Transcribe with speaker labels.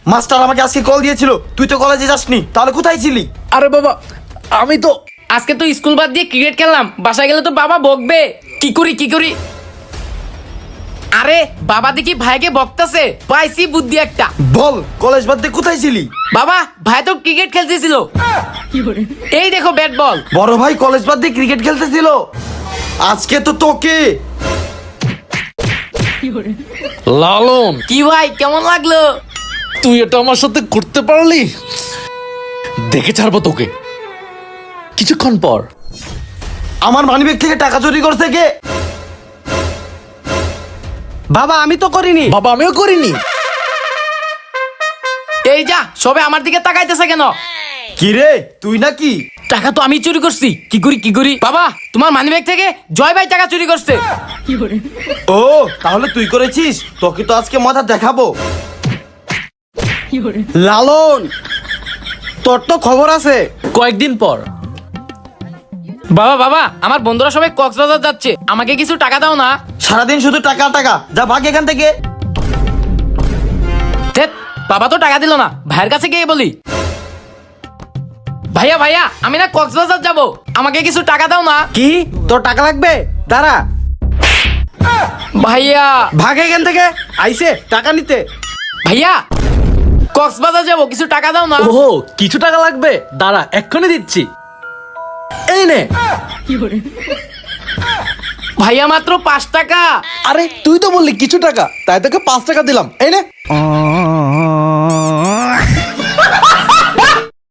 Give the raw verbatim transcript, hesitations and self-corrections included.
Speaker 1: Master আমাকে আজকে call দিয়েছিল, তুই তো কলেজে যাসনি, তাহলে কোথায় ছিলি?
Speaker 2: আরে বাবা, আমি তো
Speaker 3: আজকে তো স্কুল বাদ দিয়ে ক্রিকেট খেললাম, বাসায় গেলে তো বাবা বকবে। কি করি কি করি আরে বাবা দেখি ভাইকে বকতাছে, পাইছি বুদ্ধি একটা।
Speaker 1: বল, কলেজ বাদ দিয়ে কোথায় ছিলি?
Speaker 3: বাবা ভাই তো ক্রিকেট খেলতেছিল, এই দেখো ব্যাট বল।
Speaker 1: বড় ভাই কলেজ বাদ দিয়ে ক্রিকেট খেলতেছিল? আজকে তো তোকে।
Speaker 2: লালন,
Speaker 3: কি ভাই কেমন লাগলো?
Speaker 2: তুই এটা আমার সাথে করতে পারলি? দেখে ছাড়বো তোকে কিছুক্ষণ পর।
Speaker 1: আমার মানিব্যাগ থেকে টাকা চুরি করছে কে?
Speaker 4: বাবা আমি তো করিনি।
Speaker 2: বাবা আমিও করিনি।
Speaker 3: এই যা সবে আমার দিকে তাকাইতেছে কেন?
Speaker 1: কি রে, তুই নাকি?
Speaker 3: টাকা তো আমি চুরি করছি, কি করি কি করি বাবা, তোমার মানিব্যাগ থেকে জয় ভাই টাকা চুরি করছে।
Speaker 1: ও তাহলে তুই করেছিস, তোকে তো আজকে মজা দেখাবো।
Speaker 4: লালন, তোর তো খবর আছে।
Speaker 2: কয়েকদিন পর।
Speaker 3: বাবা বাবা আমার বন্ধুরা সবাই কক্সবাজার যাচ্ছে, আমাকে কিছু টাকা দাও না।
Speaker 1: সারাদিন শুধু টাকা টাকা, যা ভাগ এখান থেকে।
Speaker 3: ধ্যাৎ, বাবা তো টাকা দিল না, ভাইয়ের কাছে গিয়ে বলি, ভাইয়া ভাইয়া আমি না কক্সবাজার যাব, আমাকে কিছু টাকা দাও না।
Speaker 4: কি তোর টাকা লাগবে? দাঁড়া,
Speaker 3: ভাইয়া
Speaker 4: ভাগ এখান থেকে। আইসে টাকা নিতে।
Speaker 3: ভাইয়া কক্সবাজার যাব, কিছু টাকা দাও না।
Speaker 2: ওহো, কিছু টাকা লাগবে, দাঁড়া এক্ষুনি দিচ্ছি। এই নে।
Speaker 3: ভাইয়া মাত্র পাঁচ টাকা।
Speaker 2: আরে তুই তো বললি কিছু টাকা, তাই তোকে পাঁচ টাকা দিলাম, এই নে।